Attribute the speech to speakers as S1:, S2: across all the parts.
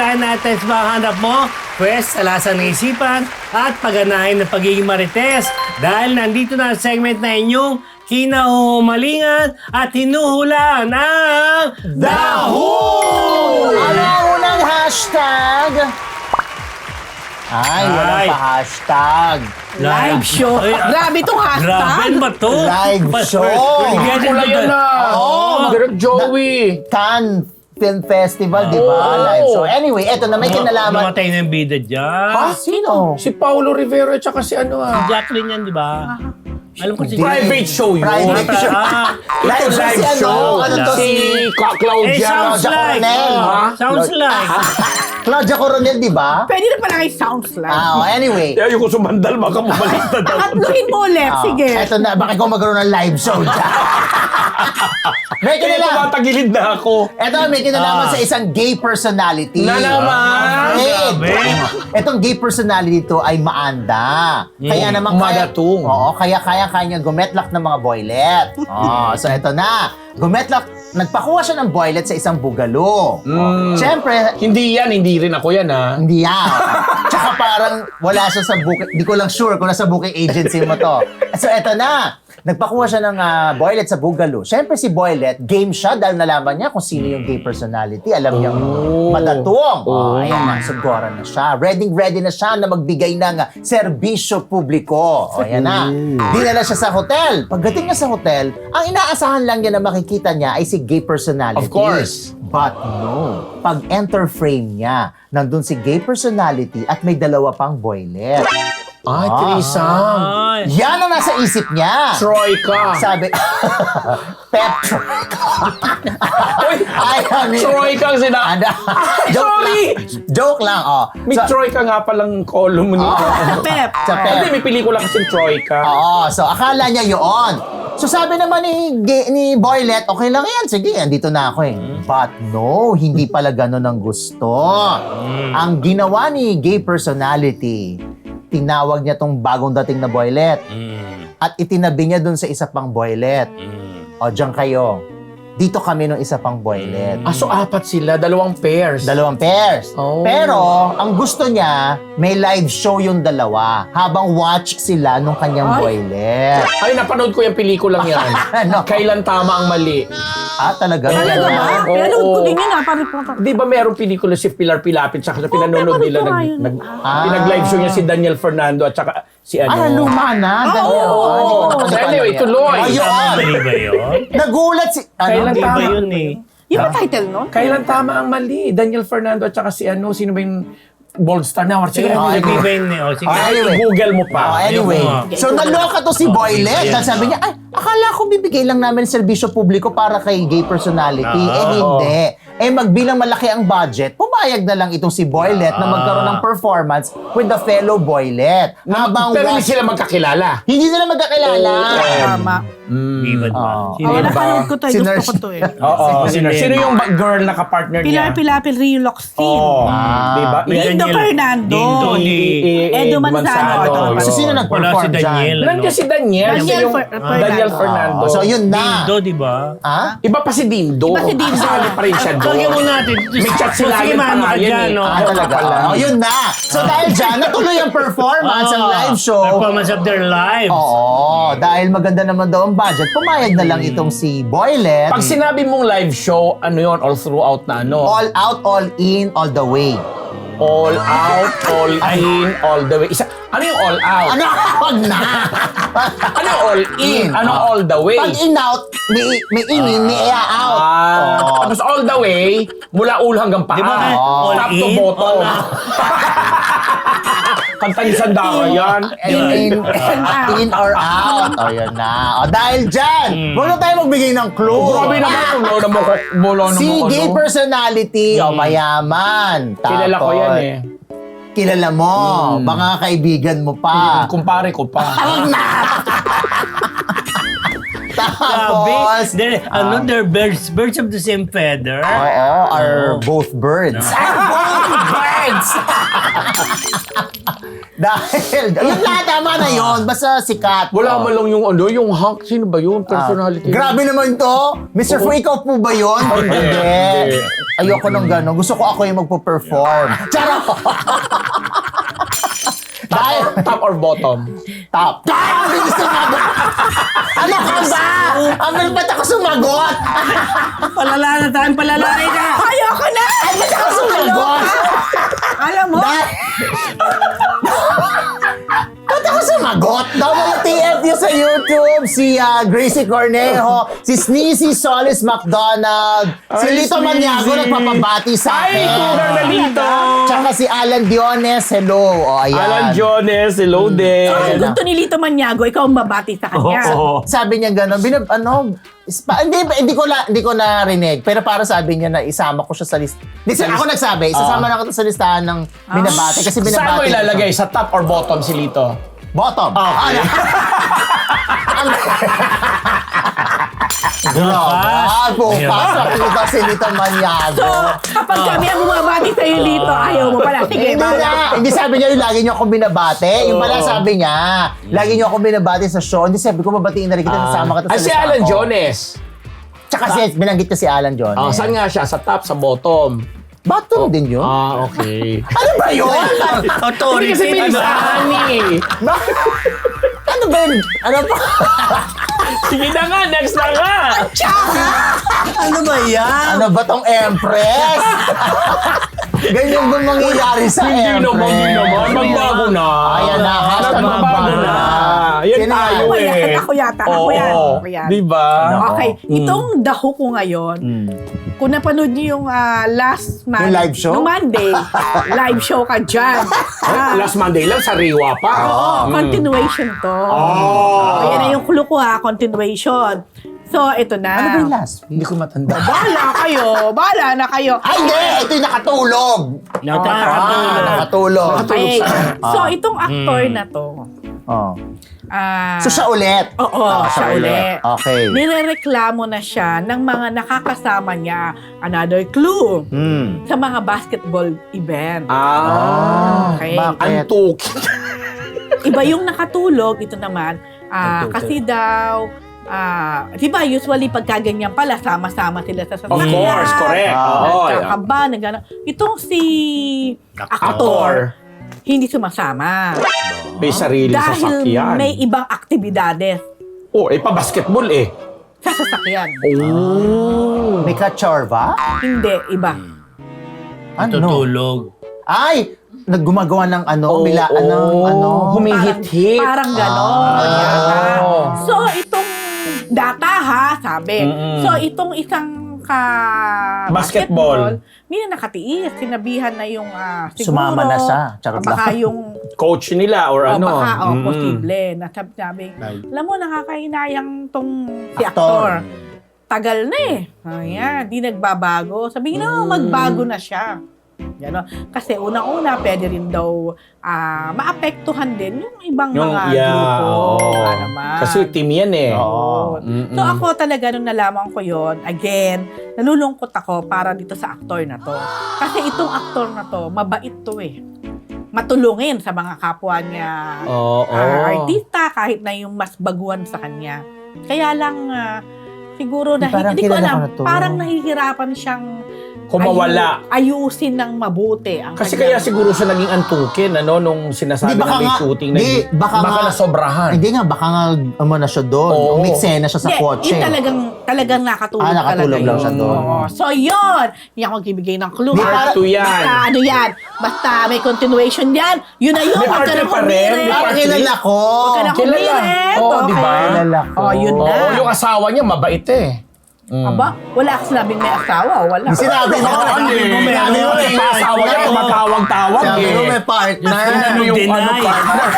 S1: Dahil natin sa mga hanap mo, pwes, talasan ng isipan at pagganahin ng pagiging marites. Dahil nandito na ang segment na inyong kinahumalingan at hinuhulaan ang Daho!
S2: Ano ang unang hashtag? Ay, walang pa hashtag.
S3: Live show.
S1: Ay,
S3: Grabe itong hashtag.
S1: Grabe, ano ba to?
S2: Live show.
S4: Wala yan na.
S2: Oo.
S4: Direct Joey.
S2: Cannes Film Festival, di ba? Live show. Anyway, eto na may kinalaman.
S1: Namatay na yung bida dyan.
S2: Ha? Sino?
S4: Si Paulo Rivero at saka si ano
S1: Jacqueline yan, di ba? Alam ko si
S4: Private show yun.
S2: Private show.
S4: Ito live
S2: si
S4: show.
S2: ano to?
S4: Si Claudia.
S1: sounds like.
S2: Coronel.
S1: Sounds like.
S2: Claudia Coronel, di ba?
S3: Pwede na pala kay sounds lang.
S2: Anyway.
S4: Kaya yung sumandal, baka mabalik na daw.
S3: Tatluhin mo ulit. Sige.
S2: Eto na, bakit ko magkaroon ng live show dyan? May
S4: Kaya
S2: kinalaman.
S4: tumatagilid na ako.
S2: Eto, may kinalaman sa isang gay personality.
S4: Na naman.
S2: Grabe. Etong gay personality to ay maanda. Kaya naman
S4: Madatung.
S2: Oo, kaya niya gumetlak ng mga boylet. So eto na. Nagpakuha siya ng boylet sa isang bugalo. Siyempre,
S4: Hindi rin ako yan ha.
S2: hindi yan. Tsaka parang wala siya sa booking. Di ko lang sure kung nasa booking agency mo to. So eto na. Nagpakuha siya ng boylet sa bugalo. Siyempre si boylet, game siya dahil nalaman niya kung sino yung gay personality. Alam niya madatong. Ayan na, sugoran na siya. Ready na siya na magbigay ng serbisyo publiko. Ayan na. Dinala siya sa hotel. Pagdating niya sa hotel, ang inaasahan lang niya na makikita niya ay si gay personality.
S4: Of course.
S2: But no. Pag-enter frame niya, nandun si gay personality at may dalawa pang boylet.
S4: Ay, threesome.
S1: Ay.
S2: Yan ang nasa isip niya.
S4: Troika.
S2: Sabi, Pep Troika. Ay,
S4: Troika ang sina... sorry!
S2: Joke lang, oh.
S4: May Troika nga palang column nito.
S3: Pep.
S2: Sa Pep.
S4: Hindi, may pelikula kasi Troika.
S2: Oo, so akala niya yun. So sabi naman ni Boylet, okay lang yan, sige, andito na ako eh. But no, hindi pala ganun ang gusto. Ang ginawa ni gay personality, tinawag niya tong bagong dating na boylet at itinabi niya dun sa isa pang boylet. O, diyan kayo. Dito kami nung isa pang boylet.
S4: So apat sila, dalawang pairs.
S2: Dalawang pairs.
S4: Oh.
S2: Pero, ang gusto niya, may live show yung dalawa habang watch sila nung kanyang boylet.
S4: Ay, napanood ko yung pelikulang yan.
S2: Ano?
S4: Kailan tama ang mali.
S2: Talaga?
S3: Talaga ba?
S4: Oo.
S3: Pinanood ko din yun pa.
S4: Di ba merong pelikula si Pilar Pilapit saka sa pinanonood nila
S3: pinapanood ko nga yun.
S4: pinag-live show niya si Daniel Fernando at saka si ano.
S2: Luma na.
S4: Oo. So anyway, tuloy.
S2: Ayun.
S1: Mali ba yun?
S2: Nagulat si...
S4: Kailan
S1: Hindi ba
S4: tama?
S1: yun eh?
S3: Yung ba title nun?
S4: Kailan tama ang mali? Daniel Fernando at saka si ano, sino ba yung Bold Star na? Sige,
S1: Hindi ba yun eh? O, sige.
S4: Google mo pa.
S2: Anyway, so naloka to si Boylet. Dahil sabi niya, ay, akala ko bibigay lang namin serbisyo publiko para kay gay personality. Hindi. Magbilang malaki ang budget, pumayag na lang itong si Boylet na magkaroon ng performance with the fellow Boylet.
S4: Pero hindi sila magkakilala.
S2: Hindi sila magkakilala.
S3: Tama.
S1: Hindi ba? Sino
S3: Wala
S1: ba?
S3: panood ko to.
S2: Si
S3: Gusto
S2: Nurse-
S3: ko to eh.
S4: Oo. Sino yung girl na kapartner niya?
S3: Pilar Pilapil, Rio Lockstin.
S4: Diba?
S1: May
S3: Dindo
S1: Daniel-
S3: Fernando.
S1: Dindo ni...
S3: Edo Manzano.
S2: So, sino
S1: Wala si
S2: nag-perform dyan?
S1: Daniel.
S4: Nandiyan si Daniel.
S3: Daniel
S4: Siya yung
S3: Fernando.
S4: Daniel Fernando.
S2: So, yun na.
S1: Dindo, di ba?
S4: Iba pa si Dindo.
S3: Iba si Dindo.
S4: Kasali pa rin siya doon.
S1: Lagyan mo natin.
S4: May chat sila
S1: Sige,
S4: yun
S1: mano ka
S4: pangalan
S1: dyan,
S4: eh.
S1: no?
S2: Talaga. Yun na. So, dahil dyan, natuloy ang performance, ang live show.
S1: Performance of their lives.
S2: Oo, dahil maganda naman daw ang budget, pumayag na lang itong si Boylet.
S4: Pag sinabi mong live show, ano yun? All throughout na ano?
S2: All out, all in, all the way.
S4: All out, all in, all the way. Ano yung all out?
S2: Ano? Wag na!
S4: Ano yung all in? Ano all the way?
S2: Pag in-out, may in, may out.
S4: Tapos all the way, mula ulo hanggang paa.
S1: Di ba? All
S4: Top to
S1: in,
S4: bottom.
S1: all out.
S4: Kanta ni Sandara yan.
S2: In or out. O, yun na. O, dahil dyan, huwag na tayo magbigay ng clue.
S4: Grabe naman kung mula mo
S2: Si gay personality, o mayaman.
S4: Kilala ko yan eh.
S2: Kilala mo. Mga kaibigan mo pa.
S4: Kumpare ko pa.
S2: Tapos,
S1: They're birds of the same feather.
S2: oo, are both birds. Both birds! Friends. Dahil, yun lahat, tama na yun. Basta sikat.
S4: Wala man lang yung yung Hank. Sino ba yun? Personality.
S2: Grabe naman to. Mr. Fu, ikaw po ba yun? Hindi. Ayoko nung gano'n. Gusto ko ako yung magpo-perform. Charot! Dahil,
S4: Top or bottom?
S2: top. Ang bilis sumagot! Ano ka ba? Ang bilis ba't ako sumagot?
S1: Palala na tayo, palalay ka!
S3: Ayoko na!
S2: Ay, ba't ako sumagot?
S3: Alam mo?
S2: Ba't ako sumagot? WTFU sa YouTube, si Gracie Cornejo, si Sneezy Solis McDonald, si
S4: Ay,
S2: Lito
S4: Sneezy.
S2: Maniago nagpapabati sa
S4: Ay,
S2: akin.
S4: tugar na dito!
S2: Tsaka si Alan Diones, hello. O, ayan.
S4: Alan Jones, hello din.
S3: So, ang gusto ni Lito Maniago, ikaw ang babati sa kanya.
S4: Oo.
S2: Sabi niya gano'n, hindi ko narinig, pero para sabi niya na isama ko siya sa list. Ako nagsabi, isasama na ko sa listahan ng binabati kasi binabati.
S4: Saan mo
S2: ko
S4: ilalagay?
S2: siya.
S4: Sa top or bottom si Lito?
S2: Bottom.
S4: Okay.
S2: Grabe. Pupasok kita si Lito Maniago.
S3: So, kapag kami ang bumabati sa'yo, Lito, ayaw mo pala. Sige,
S2: Hindi na. Hindi sabi niya yung lagi niyo akong binabate. Yung pala sabi niya, lagi niyo akong binabate sa show. Hindi sabi ko, mabatiin na rin kita, nasama kita sa
S4: Ay, si
S2: listahan
S4: Alan
S2: ko.
S4: Jones.
S2: Tsaka binanggit ko si Alan Jones.
S4: Saan nga siya? Sa top, sa bottom?
S2: Bottom din yun.
S4: Okay.
S2: Ano ba yun?
S4: Hindi
S1: Authority
S4: kasi may
S1: na ba?
S4: listahan eh.
S2: Ano ba yun? Ano ba?
S4: Sige na nga, next na nga.
S1: Ano ba yan?
S2: Ano ba tong Empress? Ganyan ba mangyayari sa
S4: Hindi
S2: Empress?
S4: naman. Magbago na.
S2: Ayan na, hashtag
S4: Magbago
S2: magbago
S4: na.
S2: na.
S4: Yan
S2: Sino
S4: tayo
S3: Ako
S4: eh.
S3: yan, ako yata. Ako
S4: Oo.
S3: yan. Ako yan.
S4: Diba?
S3: Okay, itong daho ko ngayon, kung napanood niyo yung last Monday,
S2: Yung live show?
S3: Nung Monday, live show ka dyan.
S4: Last Monday lang, sa Riwa pa.
S3: Continuation to.
S4: Oh.
S3: Ayan na yung clue ko continuation. So, ito na.
S2: Ano ba yung last?
S4: Hindi ko matanda.
S3: Bahala na kayo.
S2: Ay, hindi! Ito yung nakatulog! Nakatulog.
S3: Okay. So, itong actor na to,
S2: Oh.
S3: ah,
S2: So, siya ulit?
S3: Oo, siya ulit.
S2: Okay.
S3: nirereklamo na siya ng mga nakakasama niya, another clue, sa mga basketball event. Okay.
S2: Bakit?
S4: Antuk.
S3: Iba yung nakatulog, ito naman, kasi daw, di ba usually pagka ganyan pala, sama-sama sila sa
S4: Of course, correct. Oo.
S3: Nagkakaba, nagano. Itong si actor, hindi sumasama.
S4: May sarili
S3: Dahil
S4: sasakyan.
S3: may ibang aktibidades
S4: Pa-basketball eh.
S3: sa sasakyan.
S4: Oh.
S2: May kachorba?
S3: Hindi, iba.
S2: Ano?
S1: Tutulog.
S2: Ay! Naggumagawa ng
S4: Humihit-hit.
S3: Parang ganon. yata. So, itong data ha, sabi. So, itong isang
S4: Basketball.
S3: hindi na nakatiis. Sinabihan na yung siguro.
S2: Sumama na siya. Charot
S3: Baka
S2: lang.
S3: yung
S4: Coach nila or ano.
S3: baka, posible. Nasabi, alam mo, nakakahinayang tong si
S2: Aktor.
S3: aktor. Tagal na eh. Ayan, di nagbabago. Sabihin na, magbago na siya. Gano. Kasi unang-una, pwede rin daw maapektuhan din yung ibang mga grupo.
S4: oo.
S3: Naman.
S4: Kasi team yan eh.
S2: Oo.
S3: So ako talaga nung nalaman ko yon, again, nalulungkot ako para dito sa aktor na to. Kasi itong aktor na to, mabait to eh. Matulungin sa mga kapwa niya artista, kahit na yung mas baguhan sa kanya. Kaya lang, siguro,
S2: Parang
S3: hindi ko
S2: kilala ko
S3: alam,
S2: na to.
S3: parang nahihirapan siyang
S4: Kumawala.
S3: ayusin ng mabuti ang
S4: Kasi
S3: kanyang-
S4: kaya siguro siya naging antukin, nung sinasabi
S2: Hindi, baka
S4: na may
S2: nga-
S4: shooting.
S2: hindi, baka nga-
S4: nasobrahan.
S2: Hindi nga, baka nga na siya doon.
S4: Oo.
S2: Umiksena siya sa
S3: Hindi,
S2: kotse.
S3: yun talagang nakatulog
S2: nakatulog
S3: talaga
S2: lang
S3: yun.
S2: siya doon.
S3: Oo. So yun, hindi ako magbibigay ng clue.
S2: Di,
S3: ha?
S2: para-
S4: Part 2 yan.
S3: Basta ano yan, basta may continuation yan. Yun na yun,
S4: May
S3: huwag ka
S4: part
S3: na
S4: two pa rin, may
S3: humirit.
S2: Parang kilala ko.
S3: Huwag ka na
S4: Kilala.
S3: humirit.
S4: Oo,
S3: okay?
S4: di ba?
S2: Kilala ko.
S3: Oh, yun na.
S4: Oo, yung asawa niya mabait eh.
S3: Aba, wala ka sinabing may asawa, wala.
S2: Sinabi mo,
S1: Sinabi mo, may
S2: sinabi mo, may
S4: Asawa niya, tumatawag-tawag
S2: Sabi
S4: eh.
S2: mo, may partner.
S4: Ano yung
S1: Deny.
S4: partner?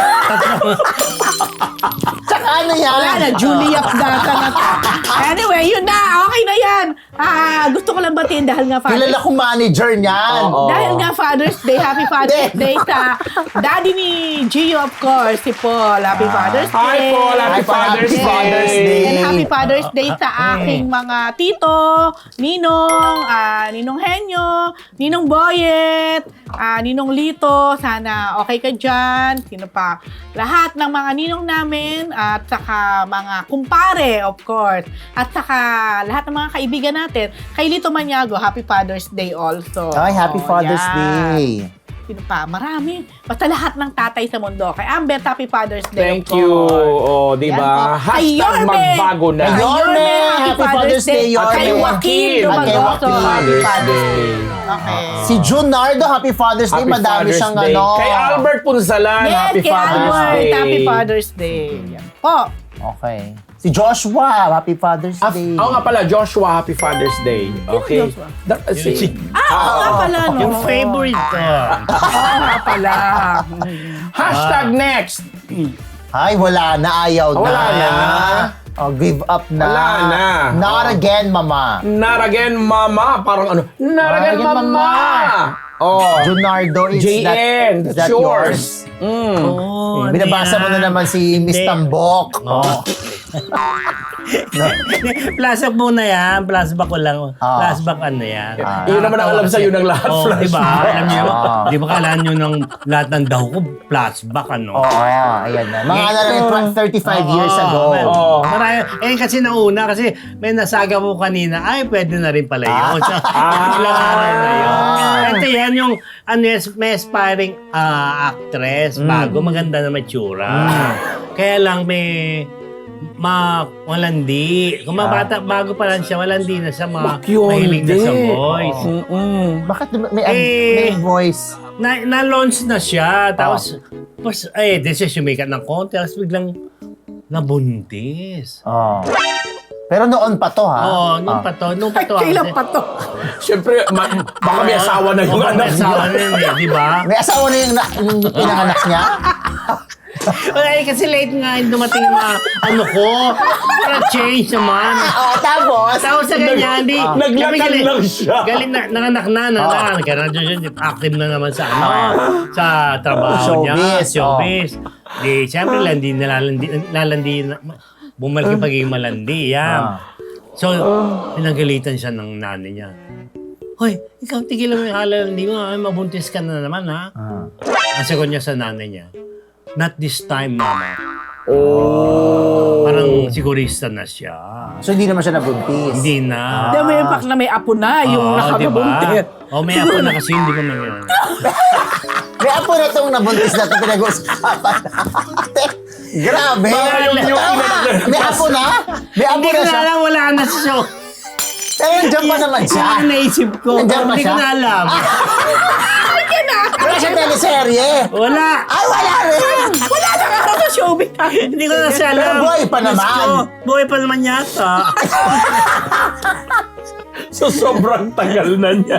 S2: Tsaka ano yan?
S3: Wala na, Julia Data na to. Anyway, yun na. Okay na ayan, gusto ko lang batiin dahil nga
S2: Kilala ko manager niyan.
S4: Oo.
S3: Dahil nga Father's Day, Happy Father's Day sa daddy ni Gio, of course, si Paul. Happy Father's Day.
S4: Hi, Paul. Happy Father's Day.
S2: Father's Day.
S3: And Happy Father's Day sa aking mga tito, Ninong, Ninong Henyo, Ninong Boyet, Ninong Lito. Sana okay ka dyan. Sino pa? Lahat ng mga ninong namin at saka mga kumpare, of course. At saka lahat ng mga kaibigan natin. Kay Lito Maniago, Happy Father's Day also.
S2: Ay, Happy Father's
S3: yan.
S2: Day.
S3: Sino pa? Marami. Basta lahat ng tatay sa mundo. Kay Amber, Happy Father's Day.
S4: Thank
S3: of
S4: you.
S3: course.
S4: Oh, di
S3: Yan
S4: ba?
S3: po. Kay
S4: Hashtag
S3: Yorme.
S4: magbago na.
S2: Kay Yorme, Happy Father's Day, Yorme.
S3: Kay Joaquin
S2: At kay
S3: Dumagoso,
S2: Joaquin.
S3: Happy
S4: Father's
S3: Father's
S4: Day.
S3: Day. Okay.
S2: Si Junardo, Happy Father's Day.
S4: Happy
S2: Madami
S4: Father's
S2: siyang
S4: Day.
S2: ano.
S4: Kay Albert Punsalan,
S3: Yes,
S4: Happy
S3: kay
S4: Father's
S3: Albert,
S4: Day.
S3: Happy Father's Day. Yan po.
S2: Okay. Si Joshua, Happy Father's Day.
S4: Oo nga pala, Joshua, Happy Father's Day. Okay.
S3: Joshua?
S4: Oo
S3: nga pala, no?
S1: Yung favorite ko.
S3: Oo nga pala.
S4: Hashtag next.
S2: Ay, wala na. Ayaw na.
S4: Wala na.
S2: Oh, give up na.
S4: Wala na.
S2: Not again, mama.
S4: Not again, mama. Parang ano? Not again,
S2: again,
S4: mama.
S2: mama.
S4: Oh.
S2: Junardo, is
S4: JN,
S2: that
S4: that's
S2: yours?
S1: Oh,
S2: Binabasa mo na naman si Miss
S1: Hindi.
S2: Tambok.
S1: Oh. Flashback muna yan. Flashback ko lang. Flashback ano yan.
S4: Yun naman ang alam sa'yo ng lahat.
S1: Oh, di ba?
S4: Flashback.
S1: Alam niyo, di ba kailangan nyo ng lahat ng daw ko, flashback ano?
S2: Oo, ayan na. Mga ano lang, 35 years ago.
S4: Oo.
S1: Marami, kasi nauna, kasi may nasaga mo kanina, ay, pwede na rin pala yun. So, ilang araw na yun. Ito yan yung, ano yan, may aspiring actress, bago, maganda na matsura. Kaya lang may, walandi. Kung mabata, bago pa lang siya, walandi na siya, mahilig na sa voice.
S2: Bakit may,
S1: Eh,
S2: may voice?
S1: Na-launch na siya, tapos, di siya sumikat ng konti, tapos biglang nabuntis.
S2: Oh. Pero noon pa to, ha?
S1: Oo, nung pa to.
S3: Kailan pa to?
S4: Siyempre, baka may asawa na yung anak niya.
S1: asawa na yun eh, di ba?
S2: May asawa na yung pinanganak niya?
S1: Ay, kasi late nga yung dumating yung mga ano ko. Para change naman.
S2: Oo, tapos?
S1: Tapos sa ganyan, di.
S4: Naglakad lang siya.
S1: Galing na, nanganak na. Active na naman sa ano, sa trabaho niya.
S2: Showbiz,
S1: Showbiz. Di, siyempre, lalandi, bumalik yung pagiging malandi. Yan. So, pinagalitan siya ng nanay niya. Hoy, ikaw tigilan mo yung halalandi mo. Ay, mabuntis ka na naman, ha? Ang sagot niya sa nanay niya, not this time, mama.
S4: Oh.
S1: Parang sigurista na siya.
S2: So, hindi naman siya nabuntis?
S1: Hindi na.
S3: Dahil may impact na may apo na, yung nakabuntit.
S1: O, may ako na kasi hindi ko nangyari.
S2: May apo na itong nabuntis na ito pinag-uusapan. Grabe! May apo na? May apo
S1: Hindi
S2: na
S1: ko na
S2: siya?
S1: alam, wala na sa show.
S2: Pero nandiyan pa naman siya.
S1: Yan ang naisip ko.
S2: Nandiyan pa
S1: Hindi ko
S2: siya?
S1: na alam.
S2: Wala siya teleserye.
S1: Wala.
S2: Ay, wala rin!
S3: Wala na nga ako sa showbiz.
S1: Hindi ko na siya alam.
S2: Pero buhay pa naman.
S1: Diyos ko, buhay pa naman yata.
S4: So, sobrang tagal na niya.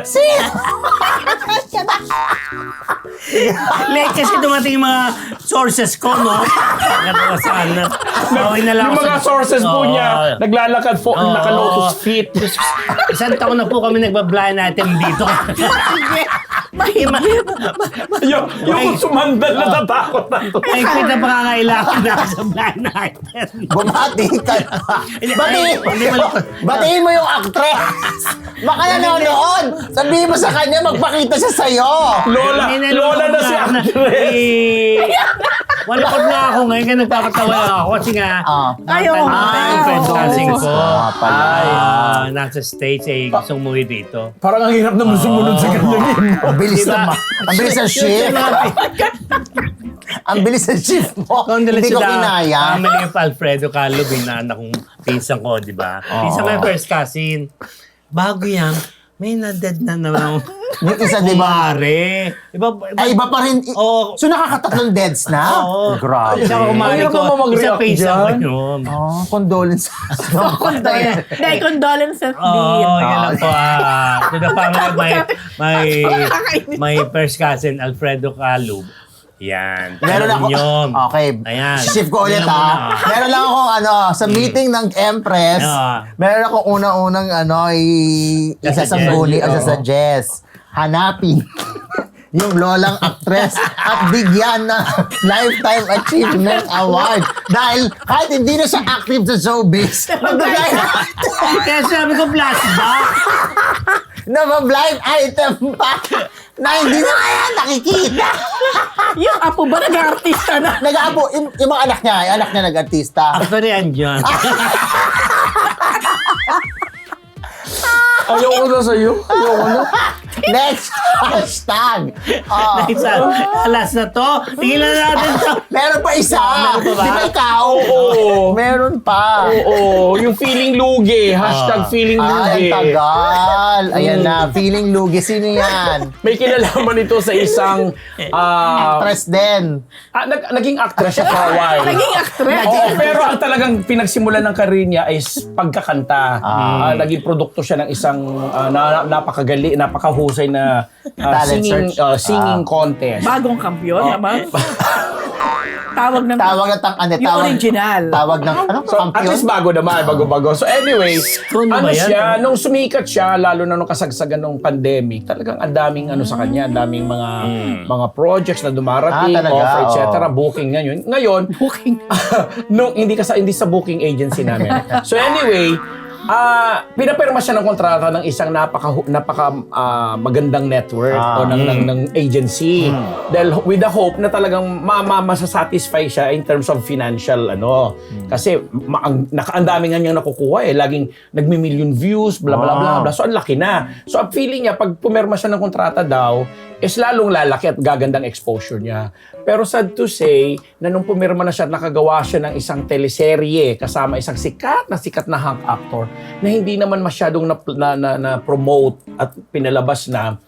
S1: Late kasi dumating yung mga sources ko, no? Nakatawa saan na. Bawin na lang
S4: Yung
S1: ako
S4: mga
S1: sa-
S4: sources po
S1: Oo.
S4: niya, naglalakad po,
S1: Oo.
S4: naka-lotus feet.
S1: Isang taon na po kami nagba-blind item dito.
S3: Mahigit.
S4: yung sumandal na natakot na to.
S1: Ay, kita pa kakailangan na ako sa blind item.
S2: Bumati ka na.
S1: Hindi,
S2: Batiin
S1: mo-
S2: batiin mo yung actress. Baka nanonood. Sabihin mo sa kanya, magpakita siya sa'yo.
S4: Lola na si actress.
S1: Walakot nga ako ngayon, kaya nagpapatawa ako kasi nga,
S3: Ayaw mo nga.
S1: yung friends casting ko,
S2: pala.
S1: nasa States, gustong umuwi dito.
S4: Parang ang hirap naman sumunod sa kanyang imo.
S2: Ang bilis
S1: Diba?
S2: naman. Ang bilis ng shift. Ang bilis ng shift mo. Hindi ko kinaya.
S1: Family of Alfredo Calvo, binaanak kong pinsan ko, di ba? Pinsan ko yung first cousin. Bago yan, may na-dead na naman.
S2: Yung isa, di ba?
S1: Kumare.
S2: Ay, iba pa rin.
S1: Oo.
S2: So, nakakatatlong deads na?
S1: Oo.
S2: Grabe.
S1: Isa ko kumare
S4: Ayaw
S1: ko,
S4: mo mag-react
S1: isa pinsan ko
S4: dyan.
S1: yun.
S2: Oh, condolences.
S3: Dahil condolences din.
S1: Oo, yan lang po. To the family of my first cousin, Alfredo Calub. Yan.
S2: Meron ako,
S1: Yun.
S2: okay,
S1: Ayan.
S2: shift ko ulit
S1: Yan muna.
S2: Meron lang akong sa meeting ng Empress, meron akong unang-unang isasangguni o sasuggest. Hanapin yung lolang actress at bigyan ng Lifetime Achievement Award. Dahil kahit hindi na siya active sa showbiz, magbigay
S1: Kaya sabi ko, flashback.
S2: na blind item pa na hindi na kaya nakikita.
S3: Yung apo ba nag-artista na?
S2: Nag-aapo, yung mga anak niya nag-artista.
S1: Actually, andyan.
S4: Ayoko na sa'yo. Ayoko na.
S2: Next hashtag.
S1: Alas na to. Tigilan natin to.
S2: Meron pa isa.
S1: Meron pa ba?
S2: Di ba ikaw?
S4: Oo.
S2: Meron pa.
S4: Oo. Yung feeling lugi. Hashtag feeling
S2: Ay,
S4: lugi.
S2: ang tagal. Ayan na, feeling lugi. Sino yan?
S4: May kinalaman ito sa isang...
S2: Actress din.
S4: naging actress siya for a while.
S3: Naging actress.
S4: Oo, pero ang talagang pinagsimulan ng career niya is pagkakanta. Naging produkto siya ng isang napakahusay na
S2: Talent search.
S4: singing contest.
S3: Bagong kampiyon naman. Tawag ng...
S2: Yung
S3: original.
S2: Tawag ng,
S4: So, at
S2: kampiyon?
S4: least bago naman, bago-bago. So anyway,
S1: Ano
S4: ano
S1: ba yan?
S4: siya, nung sumikat siya, lalo na nung kasagsagan ng pandemic, talagang ang daming sa kanya, ang daming mga projects na dumarating,
S2: Talaga,
S4: offer, etc.
S2: oo.
S4: Booking ngayon.
S3: Booking.
S4: nung hindi sa booking agency namin. So anyway, pinapirma siya ng kontrata ng isang napaka magandang network o ng agency. Dahil with the hope na talagang masasatisfy siya in terms of financial Kasi ang dami nga niyang nakukuha laging nagmi-million views, bla bla bla bla. So ang laki na. So ang feeling niya pag pumirma siya ng kontrata daw is lalong lalaki at gagandang exposure niya. Pero sad to say, na nung pumirma na siya at nakagawa siya ng isang teleserye kasama isang sikat na hunk actor na hindi naman masyadong na-promote at pinalabas na,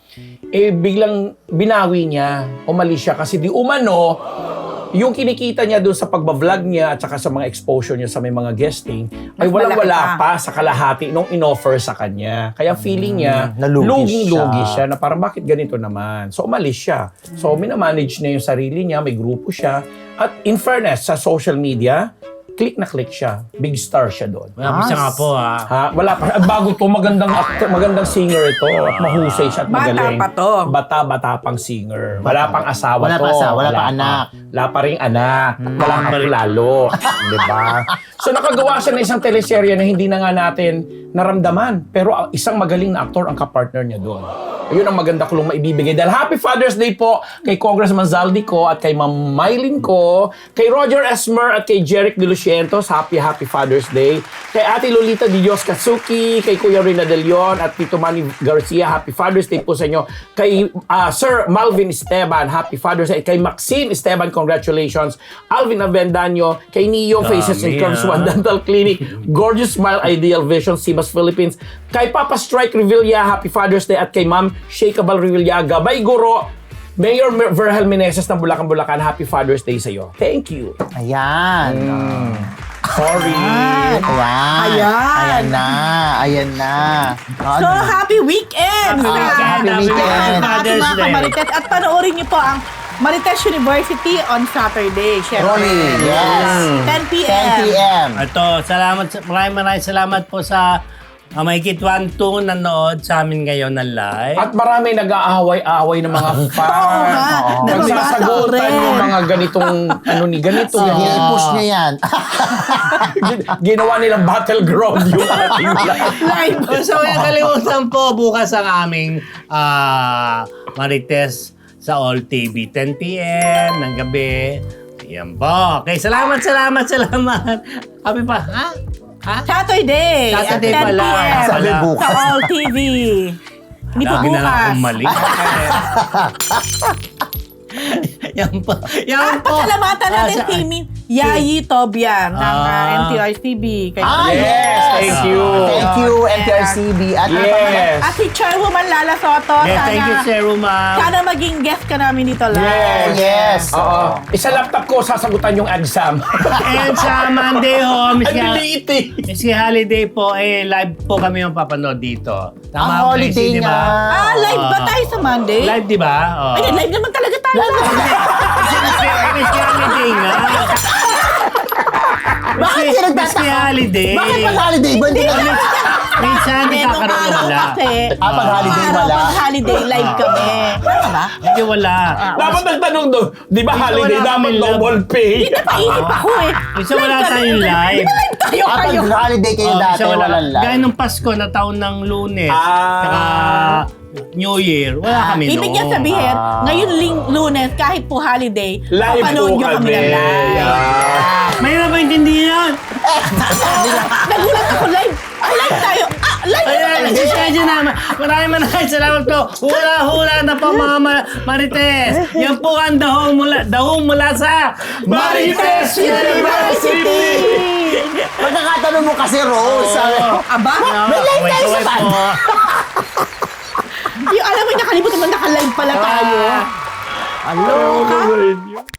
S4: biglang binawi niya, umalis siya kasi di umano, yung kinikita niya doon sa pagbablog niya at saka sa mga exposure niya sa may mga guesting ay
S3: Mas
S4: walang-wala
S3: malaki
S4: pa sa kalahati nung inoffer sa kanya. Kaya feeling niya,
S2: Nalugi
S4: luging-lugi
S2: siya.
S4: siya na parang bakit ganito naman. So umalis siya. So minamanage niya yung sarili niya, may grupo siya. At in fairness, sa social media, click na click siya. Big star siya doon.
S1: Wala siya nga po,
S4: Wala pa. At bago to, magandang singer ito. At mahusay siya at
S3: Bata
S4: magaling.
S3: pa to.
S4: Bata pang singer. Wala pang asawa
S2: Wala
S4: to.
S2: pa asawa, wala pa anak.
S4: Wala pa rin anak. Wala pa rin lalo. Diba? So nakagawa siya ng isang teleserye na hindi na nga natin naramdaman. Pero isang magaling na aktor ang kapartner niya doon. Ayun ang maganda ko lang maibibigay. Dahil Happy Father's Day po kay Congressman Zaldi ko at kay Ma'am Mylene ko, kay Roger Esmer at kay Jeric De Lucientos, Happy Father's Day. Kay Ate Lolita Di Dios Katsuki, kay Kuya Rina De Leon at Tito Manny Garcia, Happy Father's Day po sa inyo. Kay Sir Malvin Esteban, Happy Father's Day. Kay Maxine Esteban, congratulations. Alvin Avendaño, kay Neo Faces and Curves One Dental Clinic, Gorgeous Smile Ideal Vision, Sibas Philippines. Kay Papa Strike Revilla, Happy Father's Day. At kay Ma'am Shakeable Revillaga, Bay Guro, Mayor Verhel Meneses ng Bulacan, Happy Father's Day sa iyo. Thank you.
S2: Ayan.
S4: Sorry.
S2: Ayan na.
S3: So, happy weekend!
S2: Happy weekend.
S1: Father's
S3: Mga
S1: Day.
S3: kamarites. At panoorin niyo po ang Marites University on Saturday. Syempre.
S2: Rolly, yes.
S3: 10 p.m.
S2: 10 p.m.
S1: Ito, maraming salamat po sa mahigit 1-2 nanood sa amin ngayon ng live.
S4: At marami nag-aaway-aaway ng mga fans.
S3: Oo nga.
S4: Nagsasagutan
S3: Nababasa ko
S4: yung
S3: rin.
S4: mga ganitong, ganito.
S2: I-push niya yan.
S4: Ginawa nilang battleground yung ating live.
S3: Live.
S1: So, yung kalimutan po, bukas ang aming Marites sa All TV, 10 p.m. ng gabi. Yan po. Okay, salamat. Happy pa, ha?
S3: Saturday.
S1: Saturday
S3: at 10
S1: pala.
S3: p.m.
S2: Sabi bukas.
S3: Sa All TV. Hindi po
S1: Lagi na lang
S3: bukas.
S1: akong mali. Yan po.
S3: At pasalamatan natin
S1: sa-
S3: si Yayi Tobian ng NTRCB.
S4: Yes, thank you.
S2: Thank you, NTRCB. At
S4: Yes.
S3: At si Chairwoman Lala Soto.
S1: Yeah, thank you, Sir Ruma.
S3: Sana maging guest ka namin dito live.
S2: Yes.
S4: Oo. Isa laptop ko, sasagutan yung exam.
S1: And sa Monday,
S4: Ang liti.
S1: si Holiday po, live po kami yung papanood dito.
S2: Ang
S1: ba,
S2: holiday
S1: Tracy, di ba?
S2: nga.
S3: Live ba tayo sa Monday?
S1: Live, di ba?
S3: Ay, live naman talaga tayo.
S1: Miss Holiday nga.
S2: Bakit siya
S1: Miss
S2: nagtataka?
S1: Holiday.
S2: Bakit pag holiday ba? Hindi ka
S1: Minsan
S3: Nung
S1: nagkakaroon
S3: araw
S1: wala.
S3: kasi,
S2: pag holiday
S3: araw,
S2: wala.
S3: pag holiday live kami. Tama ba?
S1: Hindi wala.
S4: Dapat nagtanong doon, di ba holiday,
S1: wala
S4: dapat
S1: kami
S4: double pay?
S3: Hindi napaisip ako eh.
S1: Minsan wala tayong live.
S3: Di ba live tayo
S2: Pag
S3: kayo?
S2: holiday kayo
S1: Oh,
S2: dati,
S1: minsan
S2: walang live.
S1: Gaya nung Pasko na taon ng Lunes.
S4: Ah.
S1: Saka New Year. Wala kami
S3: Ibig niya sabihin, ngayon Lunes, kahit po holiday,
S4: Live
S3: papanood
S4: po
S3: nyo kami
S4: kami.
S3: na live.
S4: Yeah.
S1: Mahirap ba intindihan?
S3: Nagulat ako live. Live tayo. Live
S1: Ayan, nagsisadya naman. Maraming salamat po. Hula-hula na po mga Marites. Yan po ang dahong mula sa
S4: Marites University!
S2: Pagkakatanong mo kasi, Rose. sabi ko,
S3: Aba, may live tayo sa pan. Yung alam mo, nakalimutan mo, naka-live pala tayo. Aloha.